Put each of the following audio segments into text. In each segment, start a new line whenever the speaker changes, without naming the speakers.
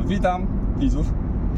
Witam widzów.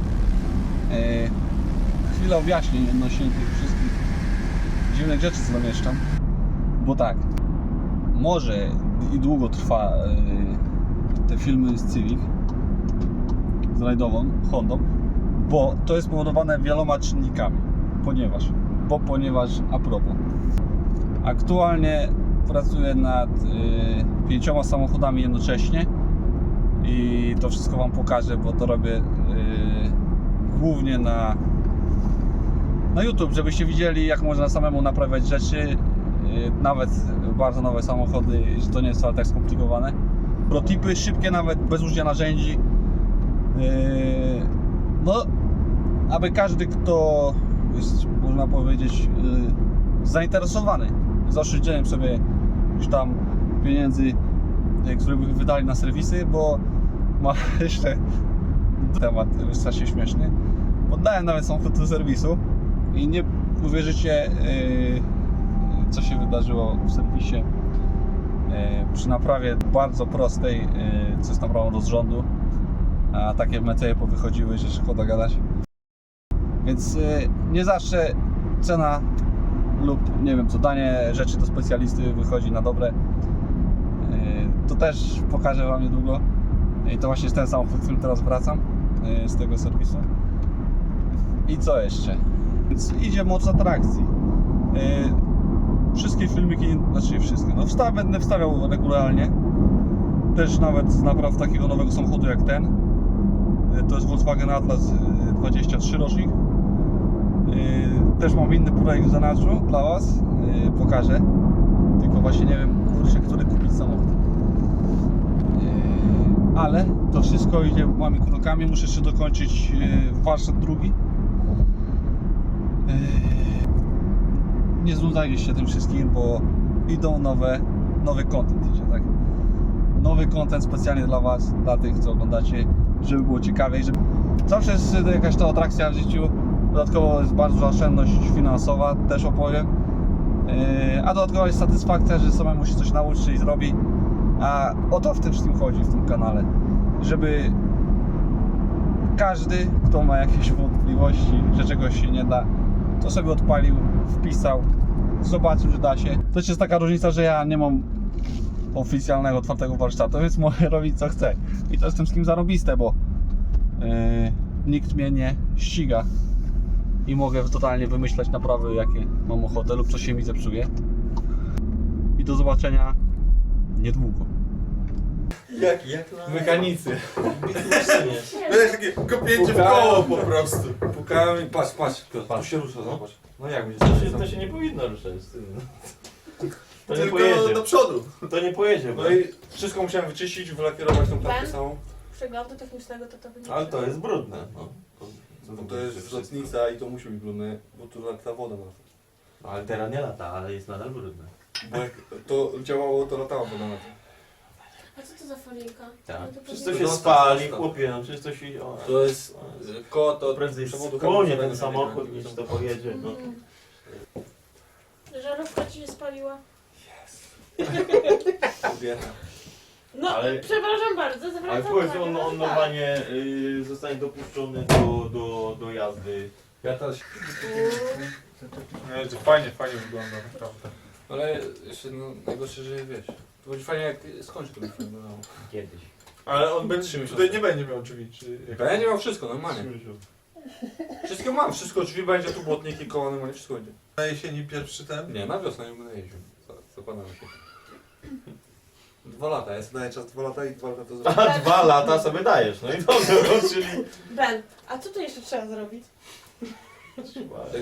Chwilę objaśnień odnośnie tych wszystkich dziwnych rzeczy, co zamieszczam. Bo tak, może i długo trwa te filmy z Civic, z rajdową Hondą, bo to jest spowodowane wieloma czynnikami. Ponieważ a propos. Aktualnie pracuję nad 5 samochodami jednocześnie i to wszystko Wam pokażę, bo to robię głównie na YouTube, żebyście widzieli, jak można samemu naprawiać rzeczy, nawet bardzo nowe samochody, że to nie jest wcale tak skomplikowane. Protipy szybkie, nawet bez użycia narzędzi. No, aby każdy, kto jest, można powiedzieć, zainteresowany zaoszczędzeniem sobie już tam pieniędzy, które by wydali na serwisy, bo ma jeszcze temat strasznie śmieszny. Oddałem nawet samochód do serwisu i nie uwierzycie, co się wydarzyło w serwisie przy naprawie bardzo prostej, co jest naprawą rozrządu, a takie meceje powychodziły, że szkoda gadać. Więc nie zawsze cena lub nie wiem co, danie rzeczy do specjalisty wychodzi na dobre. To też pokażę Wam niedługo. I to właśnie jest ten samochód, w którym teraz wracam z tego serwisu. I co jeszcze? Więc idzie moc atrakcji. Wszystkie filmiki, znaczy wszystkie, no będę wstawiał regularnie. Też nawet z napraw takiego nowego samochodu jak ten. To jest Volkswagen Atlas 23 rocznik. Też mam inny projekt w zanadrzu dla Was. Pokażę. Tylko właśnie nie wiem, kurczę, który kupić samochód. Ale to wszystko idzie małymi krokami. Muszę jeszcze dokończyć warsztat drugi. Nie znudzajcie się tym wszystkim, bo idą nowy content idzie, tak? Nowy content specjalnie dla Was, dla tych, co oglądacie, żeby było ciekawiej, żeby... Zawsze jest jakaś ta atrakcja w życiu. Dodatkowo jest bardzo oszczędność finansowa, też opowiem. A dodatkowo jest satysfakcja, że samemu się coś nauczy i zrobi. A o to w tym wszystkim chodzi, w tym kanale. Żeby każdy, kto ma jakieś wątpliwości, że czegoś się nie da, to sobie odpalił, wpisał, zobaczył, że da się. To jest taka różnica, że ja nie mam oficjalnego, otwartego warsztatu, więc mogę robić co chcę. I to jest tym wszystkim zarobiste, bo nikt mnie nie ściga. I mogę totalnie wymyślać naprawy, jakie mam ochotę lub coś się mi zepsuje. I do zobaczenia niedługo.
Jak
Mechanicy.
Będę takie kopięcie w koło po prostu.
Pukałem i patrz, tu się rusza, zobacz. No jak będzie
To się nie powinno ruszać z tym. To nie
Tylko
pojedzie.
do przodu.
To nie pojedzie, bo...
No i wszystko musiałem wyczyścić, wylakierować tą klatkę samą.
Przeglądu technicznego to wynika.
Ale to jest brudne. No.
No to jest lotnica i to musi być brudne, bo tu ta woda ma.
No, ale teraz nie lata, ale jest nadal brudne.
Bo jak to działało, to latało woda na to.
A co to za folijka?
Tak.
No to
Przecież
powinno-
to się spali, chłopie, no przecież to się... O,
To jest koło to
prędzej
przewodu
spłonie
hamulcowego
ten
nie
samochód
wiem,
niż
jak
to pojedzie. No.
Żarówka ci się spaliła?
kobieta.
No,
Ale-
przepraszam bardzo,
Ale
zwracam
powiedz,
uwagę,
on
że tak.
normalnie zostanie dopuszczony do jazdy.
Ja też.
Fajnie wygląda, naprawdę.
Ale jeszcze no, najgorsze, że wiesz. To będzie fajnie jak skończy ten film. No.
Kiedyś.
Ale on
Trzy
będzie,
miesiące.
tutaj nie będzie miał drzwi, czy...
Ja nie mam wszystko, normalnie. Wszystko mam, wszystko, drzwi będzie, tu błotniki, koła, normalnie wszystko będzie.
Na jesieni pierwszy ten?
Nie, na wiosnę nie będę jeździł. Zakładamy się. 2 lata, ja sobie daję czas 2 lata i 2 lata to zrobię.
A 2 lata sobie dajesz, no i dobrze, czyli...
Ben, a co tu jeszcze trzeba zrobić?